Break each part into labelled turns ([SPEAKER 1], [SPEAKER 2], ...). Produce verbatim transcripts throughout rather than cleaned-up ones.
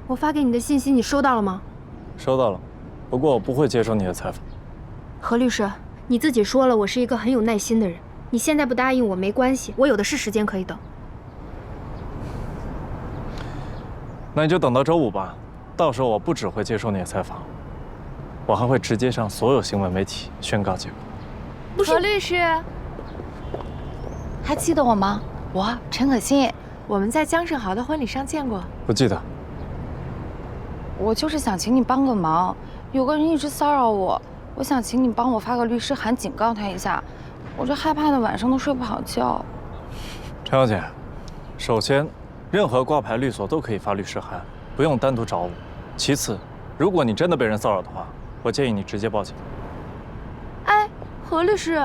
[SPEAKER 1] 我发给你的信息你收到了吗？
[SPEAKER 2] 收到了，不过我不会接受你的采访。
[SPEAKER 1] 何律师，你自己说了，我是一个很有耐心的人。你现在不答应我没关系，我有的是时间可以等。
[SPEAKER 2] 那你就等到周五吧，到时候我不只会接受你的采访，我还会直接上所有新闻媒体宣告结果。
[SPEAKER 1] 不是，
[SPEAKER 3] 何律师，还记得我吗？我陈可辛，我们在江胜豪的婚礼上见过。
[SPEAKER 2] 不记得。
[SPEAKER 3] 我就是想请你帮个忙，有个人一直骚扰我，我想请你帮我发个律师函警告他一下，我这害怕的晚上都睡不好觉。
[SPEAKER 2] 陈小姐，首先，任何挂牌律所都可以发律师函，不用单独找我。其次，如果你真的被人骚扰的话，我建议你直接报警。
[SPEAKER 3] 哎，何律师，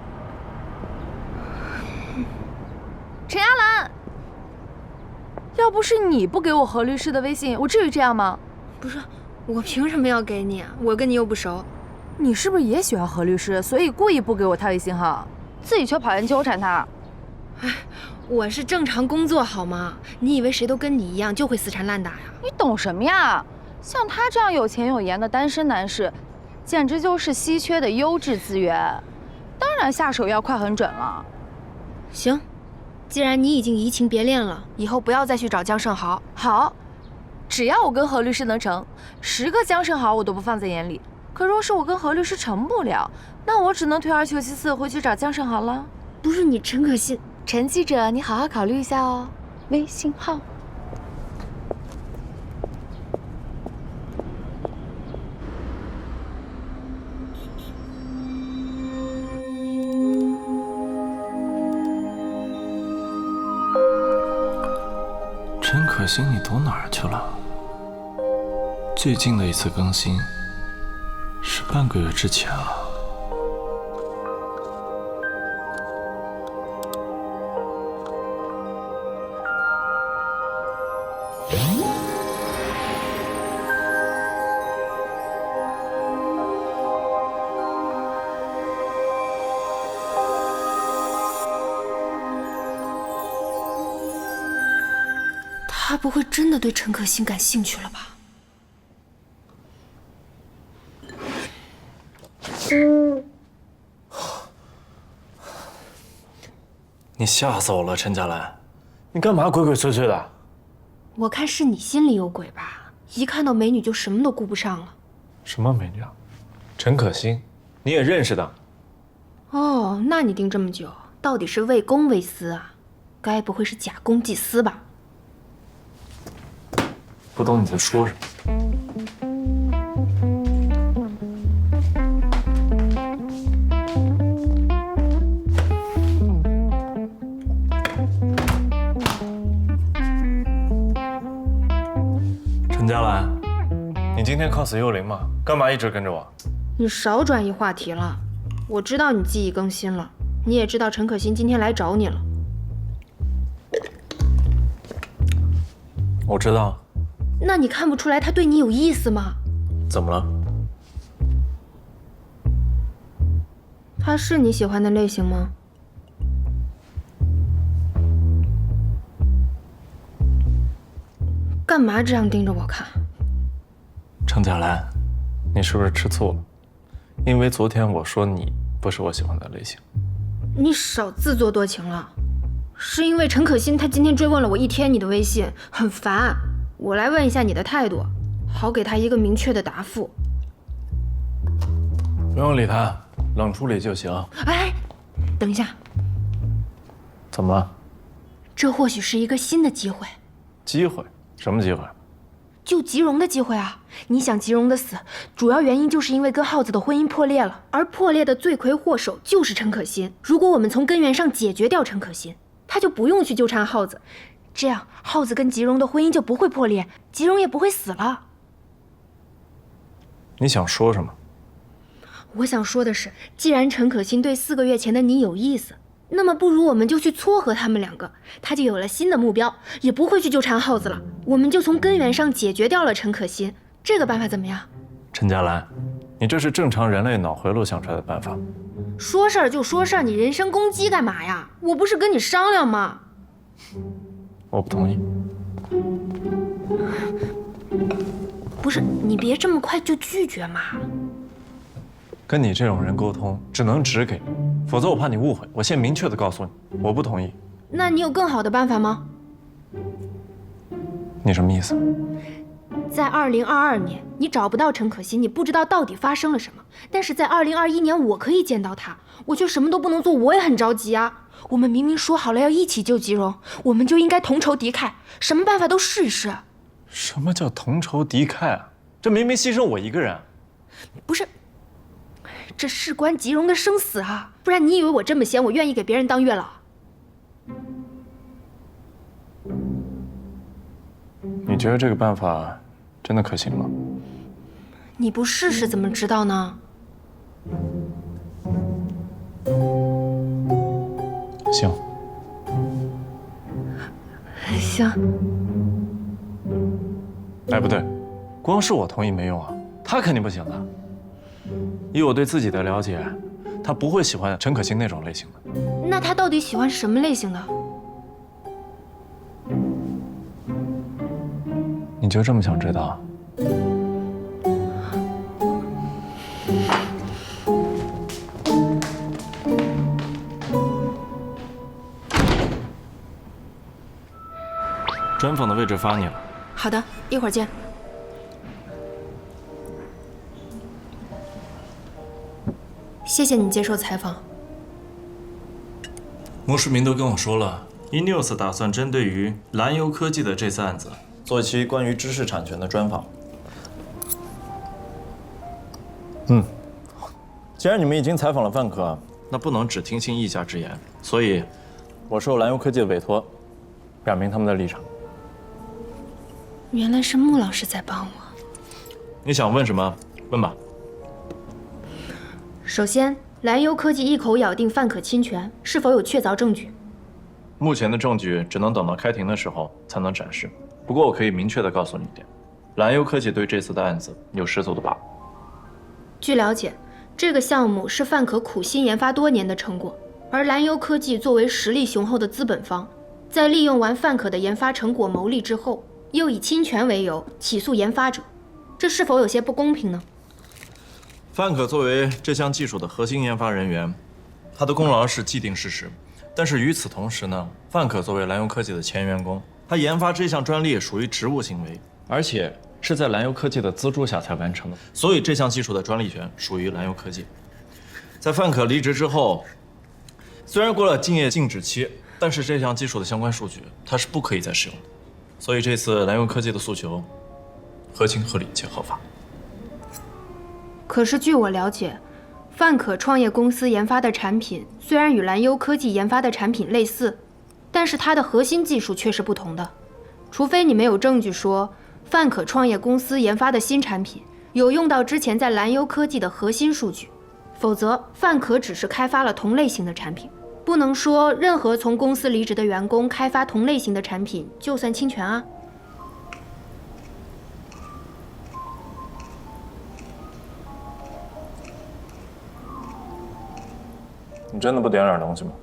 [SPEAKER 3] 陈亚兰，要不是你不给我何律师的微信，我至于这样吗？
[SPEAKER 1] 不是，我凭什么要给你啊？我跟你又不熟。
[SPEAKER 3] 你是不是也喜欢何律师，所以故意不给我他微信号，自己却跑人纠缠他？
[SPEAKER 1] 哎，我是正常工作好吗？你以为谁都跟你一样就会死缠烂打呀？
[SPEAKER 3] 你懂什么呀？像他这样有钱有颜的单身男士，简直就是稀缺的优质资源，当然下手要快很准了。
[SPEAKER 1] 行，既然你已经移情别恋了，以后不要再去找江胜豪。
[SPEAKER 3] 好，只要我跟何律师能成，十个江胜豪我都不放在眼里。可若是我跟何律师成不了，那我只能退而求其次，回去找江胜豪了。
[SPEAKER 1] 不是你陈可辛，
[SPEAKER 3] 陈记者，你好好考虑一下哦。微信号。
[SPEAKER 2] 陈可辛，你躲哪儿去了？最近的一次更新是半个月之前了。
[SPEAKER 1] 他不会真的对陈可辛感兴趣了吧？
[SPEAKER 2] 你吓死我了，陈佳兰，你干嘛鬼鬼祟祟的？
[SPEAKER 1] 我看是你心里有鬼吧，一看到美女就什么都顾不上了。
[SPEAKER 2] 什么美女啊？陈可辛，你也认识的？
[SPEAKER 1] 哦，那你盯这么久，到底是为公为私啊？该不会是假公济私吧？
[SPEAKER 2] 不懂你在说什么。陈佳兰，你今天 cos 幽灵吗？干嘛一直跟着我？
[SPEAKER 1] 你少转移话题了。我知道你记忆更新了，你也知道陈可辛今天来找你了。
[SPEAKER 2] 我知道。
[SPEAKER 1] 那你看不出来他对你有意思吗？
[SPEAKER 2] 怎么了？
[SPEAKER 1] 他是你喜欢的类型吗？干嘛这样盯着我看？
[SPEAKER 2] 程佳兰，你是不是吃醋了？因为昨天我说你不是我喜欢的类型。
[SPEAKER 1] 你少自作多情了。是因为陈可辛他今天追问了我一天你的微信，很烦。我来问一下你的态度，好给他一个明确的答复。
[SPEAKER 2] 不用理他，冷处理就行。
[SPEAKER 1] 哎，等一下，
[SPEAKER 2] 怎么了？
[SPEAKER 1] 这或许是一个新的机会。
[SPEAKER 2] 机会？什么机会？
[SPEAKER 1] 救吉荣的机会啊！你想吉荣的死，主要原因就是因为跟浩子的婚姻破裂了，而破裂的罪魁祸首就是陈可辛。如果我们从根源上解决掉陈可辛，他就不用去纠缠浩子，这样浩子跟吉荣的婚姻就不会破裂，吉荣也不会死了。
[SPEAKER 2] 你想说什么？
[SPEAKER 1] 我想说的是，既然陈可辛对四个月前的你有意思，那么不如我们就去撮合他们两个，他就有了新的目标，也不会去纠缠浩子了。我们就从根源上解决掉了陈可辛，这个办法怎么样？
[SPEAKER 2] 陈佳兰，你这是正常人类脑回路想出来的办法。
[SPEAKER 1] 说事儿就说事儿，你人身攻击干嘛呀？我不是跟你商量吗？
[SPEAKER 2] 我不同意。
[SPEAKER 1] 不是，你别这么快就拒绝嘛。
[SPEAKER 2] 跟你这种人沟通，只能只给，否则我怕你误会。我先明确的告诉你，我不同意。
[SPEAKER 1] 那你有更好的办法吗？
[SPEAKER 2] 你什么意思？
[SPEAKER 1] 在二零二二年，你找不到陈可辛，你不知道到底发生了什么。但是在二零二一年，我可以见到他，我却什么都不能做，我也很着急啊。我们明明说好了要一起救吉荣，我们就应该同仇敌忾，什么办法都试一试。
[SPEAKER 2] 什么叫同仇敌忾啊？这明明牺牲我一个人。
[SPEAKER 1] 不是，这事关吉荣的生死啊！不然你以为我这么闲，我愿意给别人当月老？
[SPEAKER 2] 你觉得这个办法真的可行吗？
[SPEAKER 1] 你不试试怎么知道呢？
[SPEAKER 2] 行。
[SPEAKER 1] 行。
[SPEAKER 2] 哎，不对，光是我同意没用啊，他肯定不行的。以我对自己的了解，他不会喜欢陈可辛那种类型的。
[SPEAKER 1] 那他到底喜欢什么类型的？
[SPEAKER 2] 你就这么想知道？专访的位置发你了。
[SPEAKER 1] 好的，一会儿见。谢谢你接受采访。
[SPEAKER 2] 穆世民都跟我说了 ，eNews 打算针对于蓝优科技的这次案子，做一期关于知识产权的专访。嗯，既然你们已经采访了范可，那不能只听信一家之言，所以，我受蓝优科技的委托，表明他们的立场。
[SPEAKER 1] 原来是穆老师在帮我。
[SPEAKER 2] 你想问什么？问吧。
[SPEAKER 1] 首先，蓝优科技一口咬定范可侵权，是否有确凿证据？
[SPEAKER 2] 目前的证据只能等到开庭的时候才能展示。不过我可以明确的告诉你一点，蓝优科技对这次的案子有十足的把握。
[SPEAKER 1] 据了解，这个项目是范可苦心研发多年的成果，而蓝优科技作为实力雄厚的资本方，在利用完范可的研发成果牟利之后，又以侵权为由起诉研发者，这是否有些不公平呢？
[SPEAKER 2] 范可作为这项技术的核心研发人员，他的功劳是既定事实。但是与此同时呢，范可作为蓝优科技的前员工，他研发这项专利属于职务行为，而且是在蓝优科技的资助下才完成的，所以这项技术的专利权属于蓝优科技。在范可离职之后，虽然过了竞业禁止期，但是这项技术的相关数据它是不可以再使用的，所以这次蓝优科技的诉求合情合理且合法。
[SPEAKER 1] 可是据我了解，范可创业公司研发的产品虽然与蓝优科技研发的产品类似，但是它的核心技术却是不同的。除非你没有证据说范可创业公司研发的新产品有用到之前在蓝优科技的核心数据，否则范可只是开发了同类型的产品，不能说任何从公司离职的员工开发同类型的产品就算侵权啊。
[SPEAKER 2] 你真的不点点东西吗？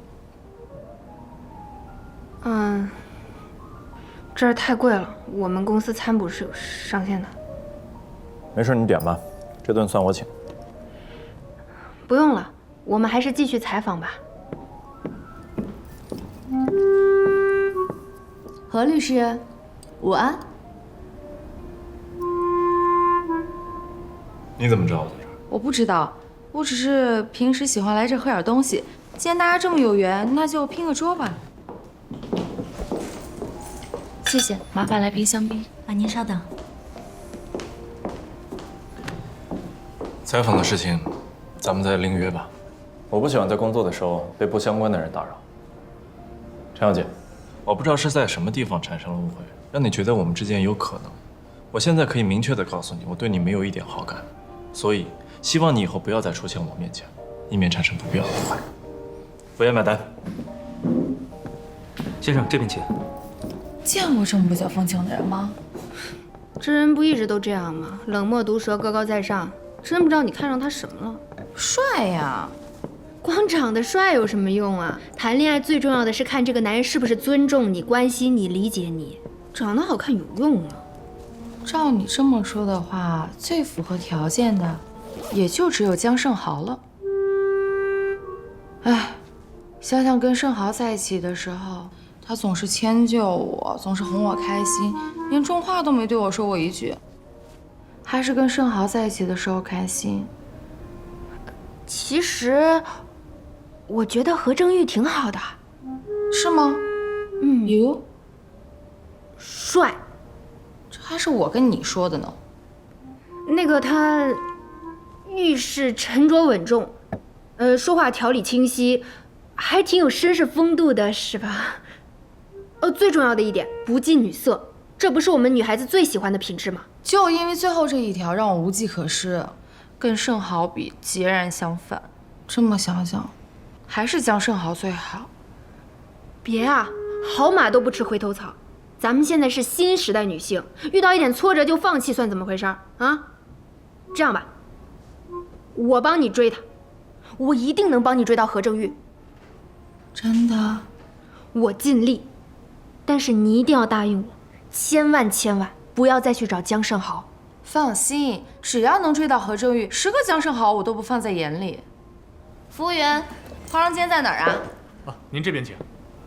[SPEAKER 1] 嗯，这儿太贵了，我们公司餐补是有上限的。
[SPEAKER 2] 没事，你点吧，这顿算我请。
[SPEAKER 1] 不用了，我们还是继续采访吧。
[SPEAKER 4] 何律师，午安。
[SPEAKER 2] 你怎么知道我在这儿？
[SPEAKER 3] 我不知道，我只是平时喜欢来这喝点东西。既然大家这么有缘，那就拼个桌吧。谢谢，麻烦来瓶香槟。
[SPEAKER 4] 啊，您稍等。
[SPEAKER 2] 采访的事情，咱们再另约吧。我不喜欢在工作的时候被不相关的人打扰。陈小姐，我不知道是在什么地方产生了误会，让你觉得我们之间有可能。我现在可以明确的告诉你，我对你没有一点好感，所以希望你以后不要再出现我面前，以免产生不必要的误会。服务员买单。
[SPEAKER 5] 先生，这边请。
[SPEAKER 3] 见过这么不解风情的人吗？
[SPEAKER 1] 知人不一直都这样吗？冷漠毒舌，高高在上，真不知道你看上他什么了。
[SPEAKER 3] 帅呀！
[SPEAKER 1] 光长得帅有什么用啊？谈恋爱最重要的是看这个男人是不是尊重你、关心你、理解你。长得好看有用吗？
[SPEAKER 3] 照你这么说的话，最符合条件的，也就只有江胜豪了。哎，想想跟盛豪在一起的时候，他总是迁就我，总是哄我开心，连重话都没对我说过一句。还是跟盛豪在一起的时候开心。
[SPEAKER 1] 其实，我觉得何正玉挺好的。
[SPEAKER 3] 是吗？
[SPEAKER 1] 嗯，
[SPEAKER 3] 哟，
[SPEAKER 1] 帅。
[SPEAKER 3] 这还是我跟你说的呢。
[SPEAKER 1] 那个他，遇事沉着稳重，呃，说话条理清晰，还挺有绅士风度的，是吧？呃，最重要的一点，不近女色，这不是我们女孩子最喜欢的品质吗？
[SPEAKER 3] 就因为最后这一条让我无计可施，跟盛豪比截然相反。这么想想，还是江盛豪最好。
[SPEAKER 1] 别啊，好马都不吃回头草。咱们现在是新时代女性，遇到一点挫折就放弃，算怎么回事啊？这样吧，我帮你追他，我一定能帮你追到何正玉。
[SPEAKER 3] 真的？
[SPEAKER 1] 我尽力，但是你一定要答应我，千万千万不要再去找江胜豪。
[SPEAKER 3] 放心，只要能追到何正玉，十个江胜豪我都不放在眼里。服务员，化妆间在哪儿啊？
[SPEAKER 5] 啊，您这边请。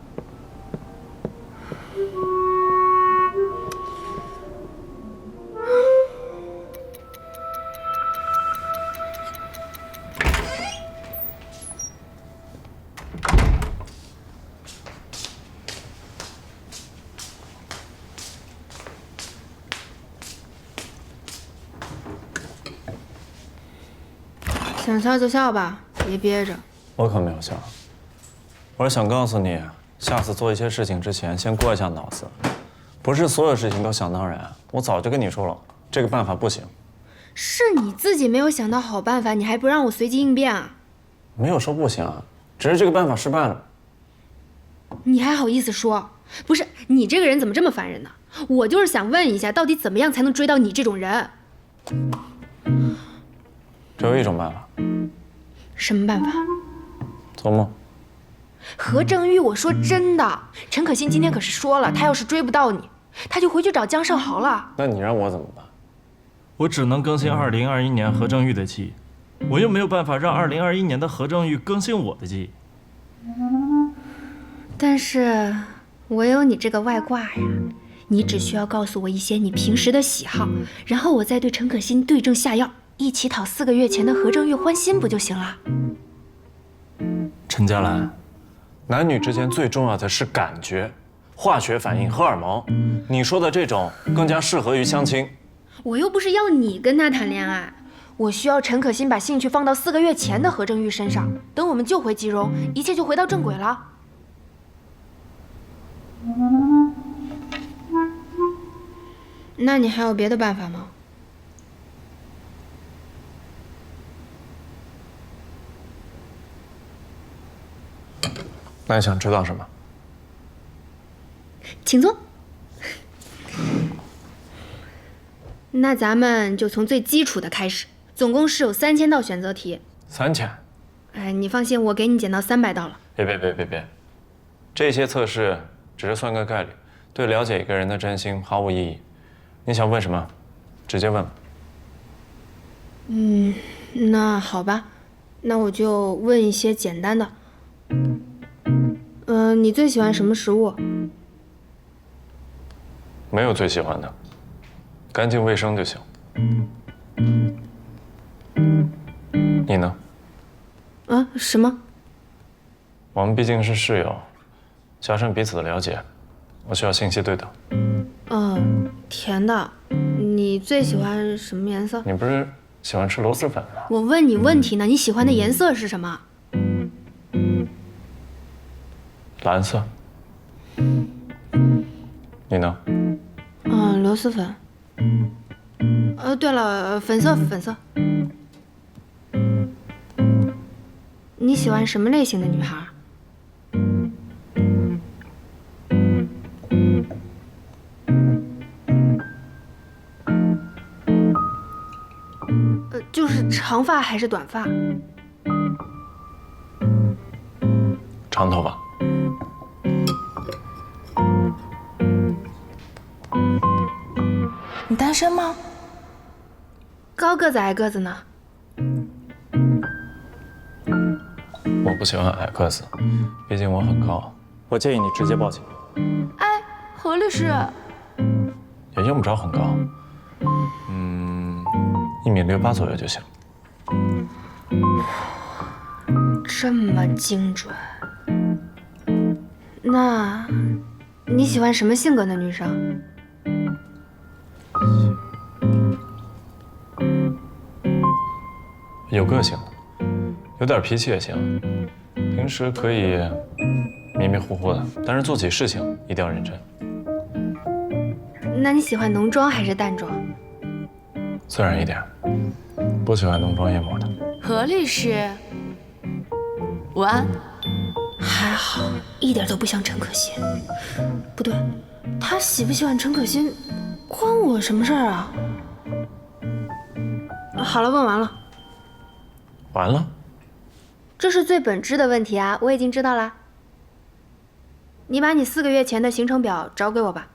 [SPEAKER 1] 想笑就笑吧，别憋着。
[SPEAKER 2] 我可没有笑，我是想告诉你，下次做一些事情之前，先过一下脑子，不是所有事情都想当然。我早就跟你说了，这个办法不行。
[SPEAKER 1] 是你自己没有想到好办法，你还不让我随机应变啊？
[SPEAKER 2] 没有说不行啊，只是这个办法失败了。
[SPEAKER 1] 你还好意思说？不是，你这个人怎么这么烦人呢？我就是想问一下，到底怎么样才能追到你这种人？
[SPEAKER 2] 只有一种办法。
[SPEAKER 1] 什么办法？
[SPEAKER 2] 做梦。
[SPEAKER 1] 何正玉，我说真的，陈可辛今天可是说了，他要是追不到你，他就回去找江胜豪了。
[SPEAKER 2] 那你让我怎么办？ 我只能更新二零二一年何正玉的记忆，我又没有办法让二零二一年的何正玉更新我的记忆。
[SPEAKER 1] 但是我有你这个外挂呀，你只需要告诉我一些你平时的喜好，然后我再对陈可辛对症下药，一起讨四个月前的何正玉欢心，不就行了？
[SPEAKER 2] 陈佳兰，男女之间最重要的是感觉、化学反应、荷尔蒙。你说的这种更加适合于相亲。
[SPEAKER 1] 我又不是要你跟他谈恋爱，我需要陈可辛把兴趣放到四个月前的何正玉身上，等我们救回吉荣，一切就回到正轨了。那你还有别的办法吗？
[SPEAKER 2] 那你想知道什么？
[SPEAKER 1] 请坐。那咱们就从最基础的开始，总共是有三千道选择题。
[SPEAKER 2] 三千？
[SPEAKER 1] 哎，你放心，我给你减到三百道了。
[SPEAKER 2] 别别别别别，这些测试只是算个概率，对了解一个人的真心毫无意义。你想问什么，直接问吧。
[SPEAKER 1] 嗯，那好吧，那我就问一些简单的。嗯、呃，你最喜欢什么食物？
[SPEAKER 2] 没有最喜欢的，干净卫生就行。你呢？
[SPEAKER 1] 啊，什么？
[SPEAKER 2] 我们毕竟是室友，加深彼此的了解，我需要信息对等。
[SPEAKER 1] 嗯，甜的。你最喜欢什么颜色？
[SPEAKER 2] 你不是喜欢吃螺蛳粉吗？
[SPEAKER 1] 我问你问题呢，你喜欢的颜色是什么？
[SPEAKER 2] 蓝色。你呢？
[SPEAKER 1] 嗯，螺蛳粉。呃，对了，粉色，粉色。你喜欢什么类型的女孩？呃，就是长发还是短发？
[SPEAKER 2] 长头发。
[SPEAKER 3] 你单身吗？
[SPEAKER 1] 高个子矮个子呢？
[SPEAKER 2] 我不喜欢矮个子，毕竟我很高。我建议你直接报警。
[SPEAKER 3] 哎，何律师，
[SPEAKER 2] 也用不着很高，嗯，一米六八左右就行。
[SPEAKER 1] 这么精准？那你喜欢什么性格的女生？
[SPEAKER 2] 有个性的，有点脾气也行。平时可以迷迷糊糊的，但是做起事情一定要认真。
[SPEAKER 1] 那你喜欢浓妆还是淡妆？
[SPEAKER 2] 自然一点，不喜欢浓妆艳抹的。
[SPEAKER 4] 何律师，午安。
[SPEAKER 1] 还好，一点都不像陈可辛。不对，他喜不喜欢陈可辛，关我什么事儿啊？好了，问完了。
[SPEAKER 2] 完了？
[SPEAKER 1] 这是最本质的问题啊，我已经知道啦。你把你四个月前的行程表找给我吧。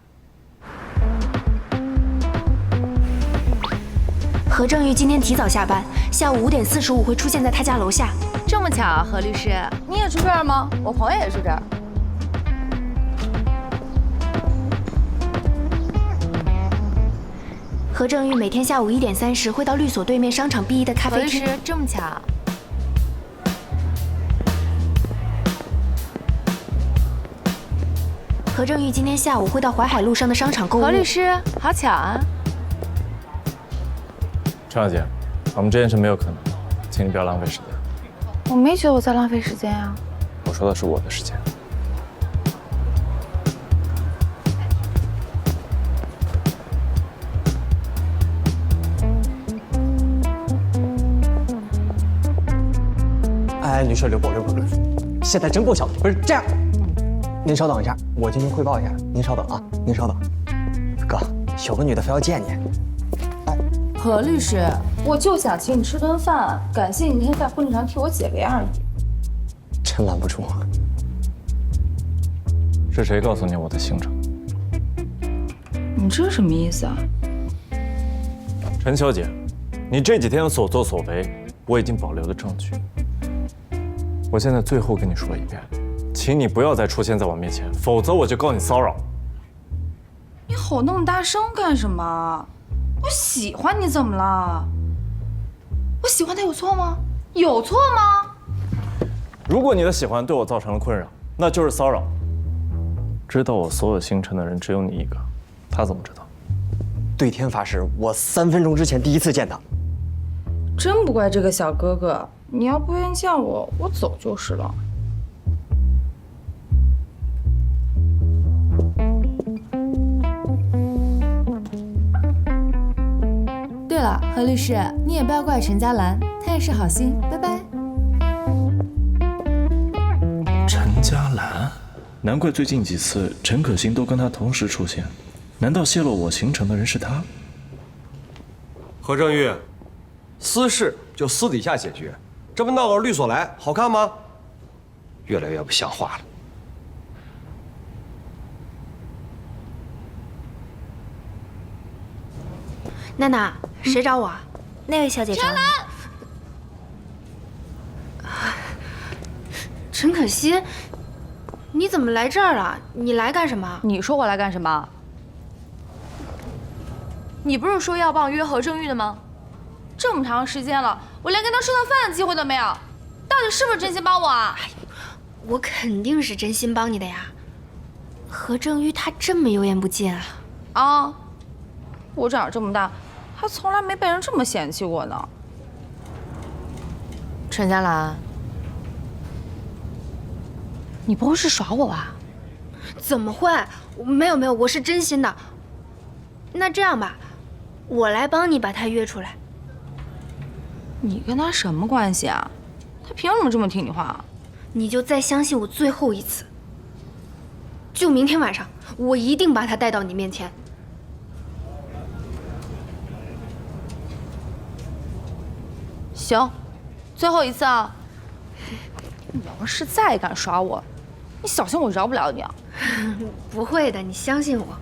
[SPEAKER 1] 何正玉今天提早下班，下午五点四十五会出现在他家楼下。
[SPEAKER 4] 这么巧，何律师，
[SPEAKER 3] 你也住这儿吗？我朋友也住这儿。
[SPEAKER 1] 何正玉每天下午一点三十会到律所对面商场 B 一的咖啡厅。
[SPEAKER 4] 何律师，这么巧。
[SPEAKER 1] 何正玉今天下午会到淮海路上的商场购物。
[SPEAKER 4] 何律师，好巧啊！
[SPEAKER 2] 陈小姐，我们这件事没有可能，请你不要浪费时间。
[SPEAKER 3] 我没觉得我在浪费时间啊。
[SPEAKER 2] 我说的是我的时间。
[SPEAKER 5] 哎，女士，刘博，刘博，刘博，现在真不巧，不是这样。您稍等一下，我进行汇报一下。您稍等啊，您稍等。哥，有个女的非要见你。哎，
[SPEAKER 3] 何律师，我就想请你吃顿饭，感谢你那天在婚礼上替我解围而已。
[SPEAKER 5] 真拦不住。
[SPEAKER 2] 是谁告诉你我的行程？
[SPEAKER 3] 你这什么意思啊？
[SPEAKER 2] 陈小姐，你这几天的所作所为，我已经保留了证据。我现在最后跟你说一遍，请你不要再出现在我面前，否则我就告你骚扰。
[SPEAKER 3] 你吼那么大声干什么？我喜欢你怎么了？我喜欢他有错吗？有错吗？
[SPEAKER 2] 如果你的喜欢对我造成了困扰，那就是骚扰。知道我所有行程的人只有你一个，他怎么知道？
[SPEAKER 5] 对天发誓，我三分钟之前第一次见他。
[SPEAKER 3] 真不怪这个小哥哥，你要不愿意见我，我走就是了。
[SPEAKER 4] 对了，何律师，你也不要怪陈嘉兰，她也是好心。拜拜。
[SPEAKER 2] 陈嘉兰，难怪最近几次陈可辛都跟他同时出现，难道泄露我行程的人是他？
[SPEAKER 6] 何正玉，私事就私底下解决，这不闹到律所来，好看吗？越来越不像话了。
[SPEAKER 1] 娜娜，谁找我啊？那位小姐找你。陈可辛，你怎么来这儿了？你来干什么？
[SPEAKER 4] 你说我来干什么？你不是说要帮我约何正玉的吗？这么长时间了，我连跟他吃顿饭的机会都没有，到底是不是真心帮我啊？
[SPEAKER 1] 我肯定是真心帮你的呀。何正玉他这么有眼不见啊！
[SPEAKER 3] 啊，我长这么大，还从来没被人这么嫌弃过呢。
[SPEAKER 4] 陈嘉兰，你不会是耍我吧？
[SPEAKER 1] 怎么会？没有没有，我是真心的。那这样吧，我来帮你把他约出来。
[SPEAKER 3] 你跟他什么关系啊？他凭什么这么听你话？
[SPEAKER 1] 你就再相信我最后一次。就明天晚上，我一定把他带到你面前。
[SPEAKER 3] 行，最后一次啊！你要是再敢耍我，你小心我饶不了你啊！
[SPEAKER 1] 不会的，你相信我。